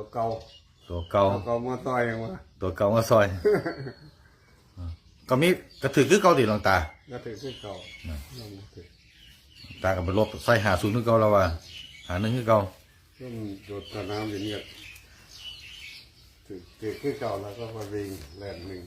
เก่าตัวเก่ามาซอยยังวะตัวเก่ามาซอย ก็มีกระถือคือเก่าดิหลวงตาก็ถือคือเก่าตากับไปลบใส่50คือเก่าแล้วว่า51คือเก่าซึ่งโดดสนามอย่างนี้ถือคือเก่าแล้วก็มาวิ่งแล่นหนึ่ง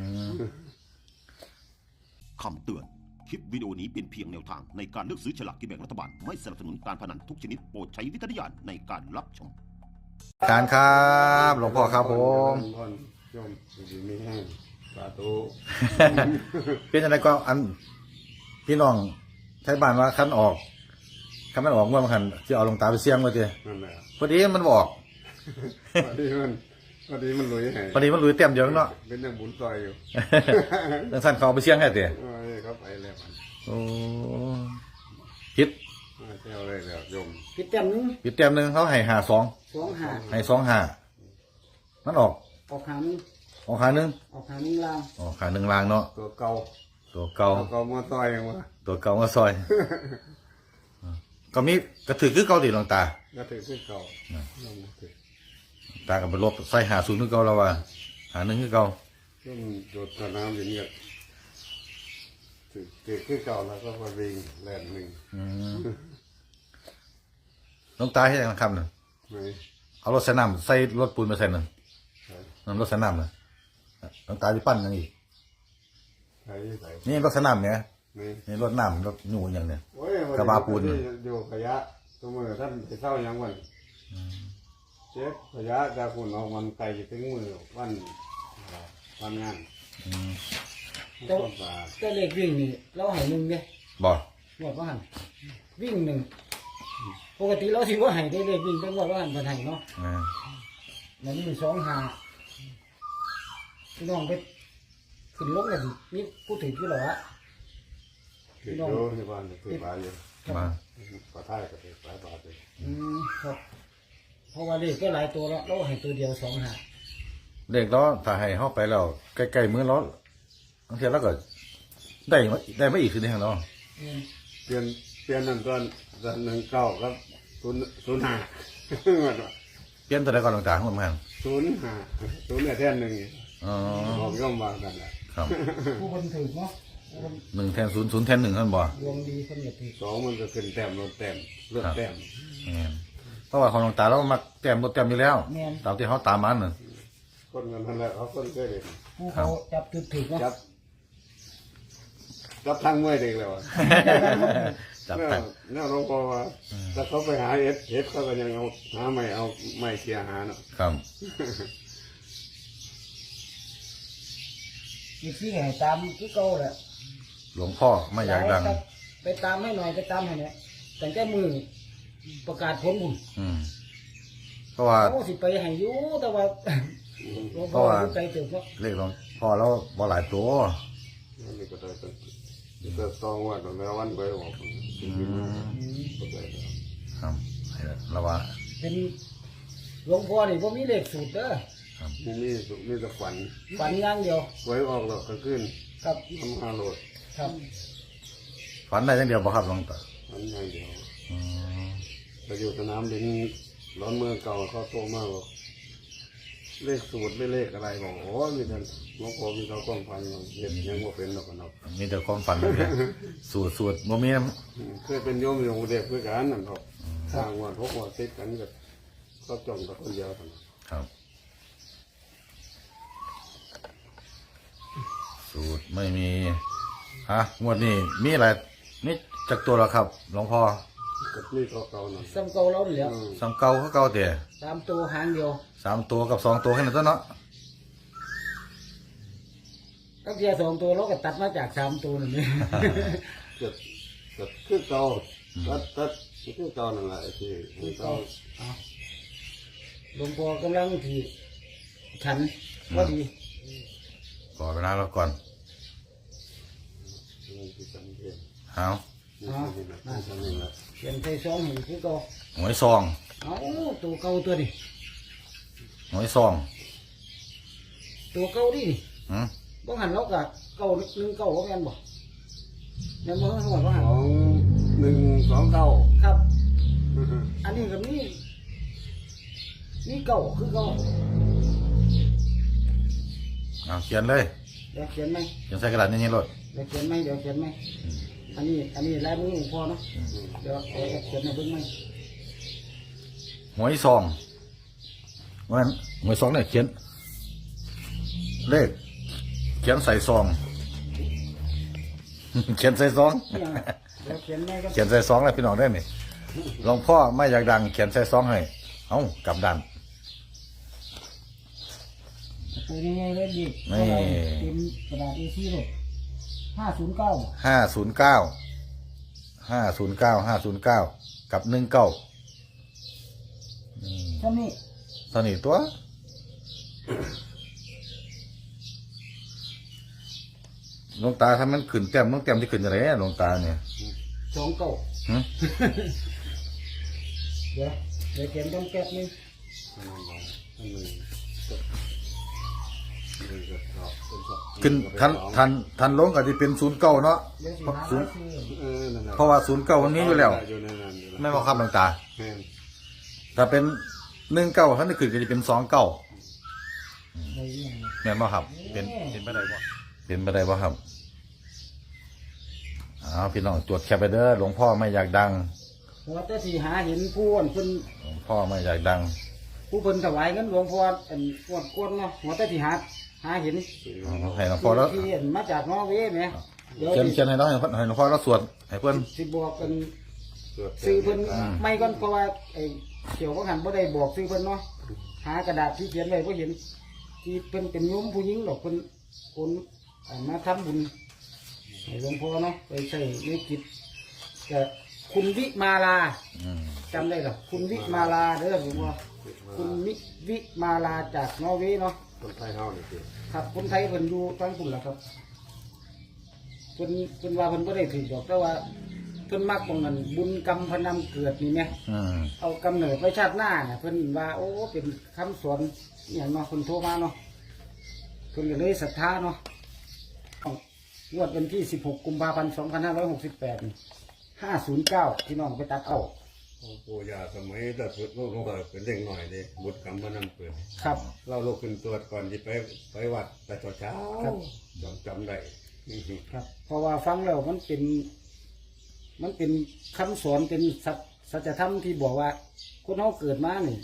คำเตือนคลิปวิดีโอนี้เป็นเพียงแนวทางในการเลือกซื้อฉลากกินแบ่งรัฐบาลไม่สนับสนุนการพนันทุกชนิดโปรดใช้วิจารณญาณในการรับชมการครับหลวงพ่อครับผมชมดีไม่แห้งสาธุเป็นอะไรก็อันพี่น้องไทยบ้านว่าคันออกคันมันออกเมื่อมันคันจะเอาหลวงตาไปเสี่ยงมาเจนั่นแหละพอดีมันบอกพอดีมันลุยให้พอดีมันลุยเต็มเดียวเนาะเป็นยังบุญซอยอยู่ดังสั้นเขาไปเสี่ยงให้เตะเขาไปแล้วโอ้คิดเที่ยวเลยแล้วโยมปิดเต็มนึงเขาให้52ให้25มันออกหานึงออกขานึงล่างออกขานึงล่างเนาะตัวเก่ามาซอยยังวะตัวเก่ามาซอยก็มีกระถือคือเก่าดิหลวงตาก็ถือคือเก่าตากับไปลบใส่50คือเก่าแล้วว่า51คือเก่าซึ่งโดดสนามอย่างนี้ถือคือเก่าแล้วก็มาวิ่งแล่นหนึ่งหลวงตาให้ยังคำหนึ่งเอารถใส่น้ำใส่รถปูนมาใส่หนึ่งรถใส่น้ำเลยหลวงตาที่ปั้นยังอีกนี่รถใส่น้ำเนี่ยนี่รถน้ำรถหนูอย่างเนี่ยกระบะปูนอยู่ขยะตัวมือท่านไปเศร้ายังวันเช็คขยะจากคุณเอามันไกลถึงมือวันงานก็เลขวิ่งนี่เราให้1เนี่ยบ่หมดว่าหันวิ่ง1ปกติเราสิว่าให้ได้เลขวิ่งเป็นว่าหันบ่ให้เนาะนั่นมี2 5พี่น้องไปขึ้นลงกันนี่พูดถึงที่หรอพี่น้องที่บ้านถือบาทอยู่มาขอท้ายก็ถือหลายบาทเลยครับเพราะว่าเลขก็หลายตัวแล้วเราให้ตัวเดียว2 5 เลขล้อถ้าให้เข้าไปแล้วใกล้ๆมือล้อบางทีเราก็ได้ไม่อีกคือได้ของเราเปลี่ยนนั่นตอน19ครับ05 เปลี่ยนตัวใดก่อนหลวงตาของมัน 05เนี่ยแท่นหนึ่งบอกย่อมวางกันแหละครับผู้คนถือเนาะ 1แทน0 0แทน1ท่านบอกดวงดีคนเหยียดถือ 2มันก็ขึ้นแต้มลดแต้มลดแต้มเพราะว่าของหลวงตาเรามักแต้มลดแต้มอยู่แล้วตามที่เขาตามมันคนกันนั่นแหละเขาคนเคยเด็กผู้เขาจับถือเนาะจับทางมวยเด็กแล้วจับเนี่ยหลวงพ่อว่าถ้าเขาไปหาเอฟเขาก็ยังหาไม่เสียหาเนาะครับอีกที่ไหนตามที่เก่าแหละหลวงพ่อไม่อยากดังไปตามให้หน่อยไปตามให้เนี่ยแต่แค่มือประกาศผลบุญเพราะว่าโอ้สิไปให้อยู่แต่ว่าหลวงพ่อใจเติบเนาะเลขหลวงพ่อแล้วบ่หลายตัวนี่ก็ได้แต่ต้องว่าตอนแล้ววันไปบอกครับแล้วว่าเป็นหลวงพ่อนี่ผมมีเลขสูตรเด้อมีแต่ฝันอย่างเดียวไว้ออกหรอกก็ขึ้นครับทำ5 โหลดครับฝันได้อย่างเดียวป่ะครับหลวงตาฝันอย่างเดียวไปอยู่สนามบินร้อนเมืองเก่าเขาโตมากบอกเลขสูตรไม่เลขอะไรบอกโอ้มีแต่หลวงพ่อมีเขาก้องฟันเห็นยังว่าเป็นหรอกนะมีแต่ความฝันเลยสูตรโมมีเคยเป็นโยมอยู่เด็กเพื่อกันนั่นครับสร้างวัน6 วันติดกันกับก็จ้องกับคนเดียวกันครับสูตรไม่มีงวดนี้มีอะไรนี่จากตัวแล้วครับหลวงพ่อนี่เก่าหน่อยซ้ำเก่าเราเหลือซ้ำเก่าเขาเก่าเต๋ 3 ตัวหางเดียว 3 ตัวกับ2 ตัวแค่นั้นเนาะก็เพียง2 ตัวเราก็ตัดมาจาก3 ตัวนี่จะคือเก่าตัดคือเก่านั่นแหละที่เก่าหลวงพ่อกำลังที่ฉันว่าดีก่อนเวลาเราก่อนเอาเขียนใส่ซองหนึ่งคือเก่าหวยซองตัวเก่าตัวนี้หวยซองตัวเก่าดิบ้องหันเรากับเก่า1 9ว่าแม่นบ่แม่นบ่ทั้งหมดว่าหัน 1 2 9 ครับอันนี้กับนี่นี่เก่าคือเก่าเอาเขียนเลยเดี๋ยวเขียนไหมเขียนใส่กระดาษนี่ๆรถเดี๋ยวเขียนไหมเดี๋ยวเขียนไหมอันนี้ลายมือของพ่อเนาะเดี๋ยวเขียนในเบื้องไหมหวยซองว่างั้นหวยซองเนี่ยเขียน เลข เขียนใส่ซอง เขียนใส่ซองเนี่ยเดี๋ยวเขียนไหมก็เขียนใส่ซองแล้วพี่น้องได้ไหมหลวงพ่อไม่อยากดัง เขียนใส่ซองให้เอ้ากลับดันตัวนี้เล่นดีนี่เต็มกระดาษ A4 เลย509 509 กับ19 เท่านี้ตอนนี้ตัวหลวงตาถ้ามันขึ้นแต้มต้องแต้มที่ขึ้นอะไรหลวงตาเนี่ย 29 หึเดี๋ยวเขียนต้องแก๊บนึงขึ้นทันลงก็จะเป็น09เนาะเดี๋ยวสิหาศูนย์ชื่อเพราะว่า09มันนี้อยู่แล้วอยู่ในนั้นอยู่แล้วไม่ว่าครับหลวงตาแม่นถ้าเป็น19ถ้านี่ขึ้นก็จะเป็น29 ในเรื่องแม่นบ่ครับเป็นไปได้บ่เป็นไปได้บ่ครับเอาพี่น้องตรวจแคปไปเด้อหลวงพ่อไม่อยากดังเพราะว่าแต่ที่หาเห็นผู้อันเพิ่นหลวงพ่อไม่อยากดังผู้เพิ่นถวายเงินหลวงพ่ออันกวดกวนเนาะหัวแต่ที่หาเห็นให้หลวงพ่อแล้วที่เห็นมาจากนอร์เวย์แหมเดี๋ยวเขียนให้น้องให้หลวงพ่อแล้วสวดให้เพิ่นสิบอกกันตรวจซื้อเพิ่นไม่ก่อนเพราะว่าไอ้เกี่ยวกับหันบ่ได้บอกซื้อเพิ่นเนาะหากระดาษที่เขียนไว้บ่เห็นที่เพิ่นเป็นโยมผู้หญิงหรอกเพิ่นคนมาทำบุญให้หลวงพ่อเนาะไปใช้ในกิจแต่คุณวิมาลาอืมจำได้หรอคุณวิมาลาเด้อหลวงพ่อคุณวิมาลาจากนอร์เวย์เนาะคนไทยเฮานี่สิครับคนไทยเพิ่นอยู่ตั้งคุณล่ะครับเพิ่นว่าเพิ่นบ่ได้ถือดอกแต่ว่าเพิ่นมักตรงนั้นบุญกรรมพนำเกิดนี่แหมอืมเอากำเนิดไว้ชาติหน้าเนี่ยเพิ่นว่าโอ้เป็นคำสอนอหย่างเนาะเพิ่นโทรมาเนาะเพิ่นก็เลยศรัทธาเนาะงวดวันที่16กุมภาพันธ์2568นี่509พี่น้องไปตัดเอาโอ้ปู่ย่าสมัยแต่พุทธโลกก็เป็นเด็กหน่อยเด้บุตรกรรมพนำเปิดครับเราลุกขึ้นตรวจก่อนที่ไปวัดแต่เช้าครับจำได้ครับ เพราะว่าฟังแล้วมันเป็นคำสอนเป็นสัจธรรมที่บอกว่าคนเราเกิดมานี่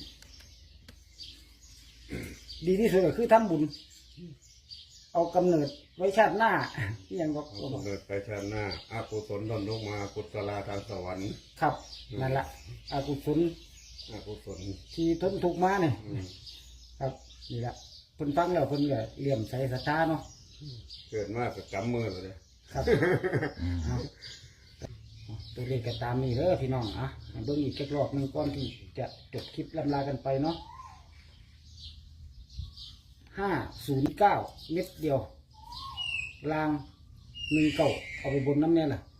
ดีที่สุดก็คือทำบุญ เอากำเนิดไว้ชาติหน้าอหย่างบอกเกิดไปชาติหน้าอากุศลดอนลงมากุศลาทางสวรรค์ครับนั่นละอากุศลอากุศลที่ทนทุกข์มาเนี่ยอืมครับนี่แหละเพิ่นฟังแล้วเพิ่นก็เลี่ยมใส่ศรัทธาเนาะเกิดมากก็กำมือเลยครับเอาตัวเลขก็ตามนี้เด้อพี่น้องอ่ะให้เบิ่งอีกจักรอบหนึงก่อนที่จะจบคลิปลำลากันไปเนาะ509 เม็ดเดียวลาง19เอาไปบนน้ำเนี่ยล่ะ